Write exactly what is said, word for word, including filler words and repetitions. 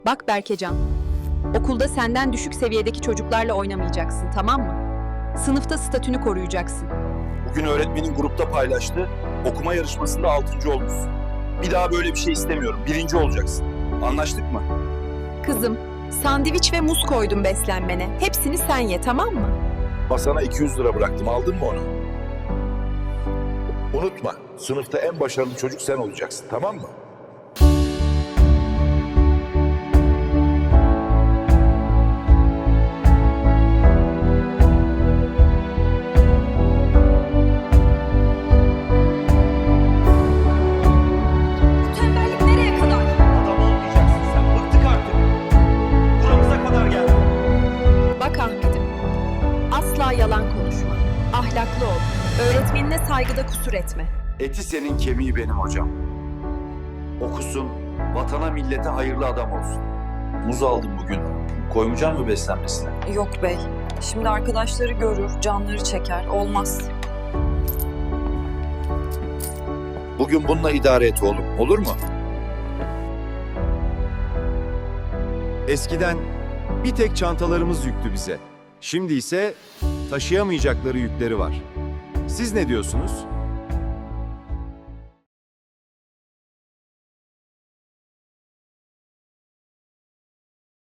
Bak Berkecan, okulda senden düşük seviyedeki çocuklarla oynamayacaksın, tamam mı? Sınıfta statünü koruyacaksın. Bugün öğretmenin grupta paylaştı. Okuma yarışmasında altıncı olmuşsun. Bir daha böyle bir şey istemiyorum. Birinci olacaksın. Anlaştık mı? Kızım, sandviç ve muz koydum beslenmene. Hepsini sen ye, tamam mı? Masana iki yüz lira bıraktım. Aldın mı onu? Unutma. Sınıfta en başarılı çocuk sen olacaksın. Tamam mı? Tembellik nereye kadar? Adam olmayacaksın sen. Bıktık artık. Buramıza kadar geldi. Bak Ahmet'im, asla yalan konuşma. Ahlaklı ol. Öğretmenine saygıda kusur etme. Eti senin, kemiği benim hocam. Okusun, vatana millete hayırlı adam olsun. Muz aldım bugün. Koymayacak mı beslenmesine? Yok bey. Şimdi arkadaşları görür, canları çeker. Olmaz. Bugün bununla idare et oğlum. Olur mu? Eskiden bir tek çantalarımız yüktü bize. Şimdi ise taşıyamayacakları yükleri var. Siz ne diyorsunuz?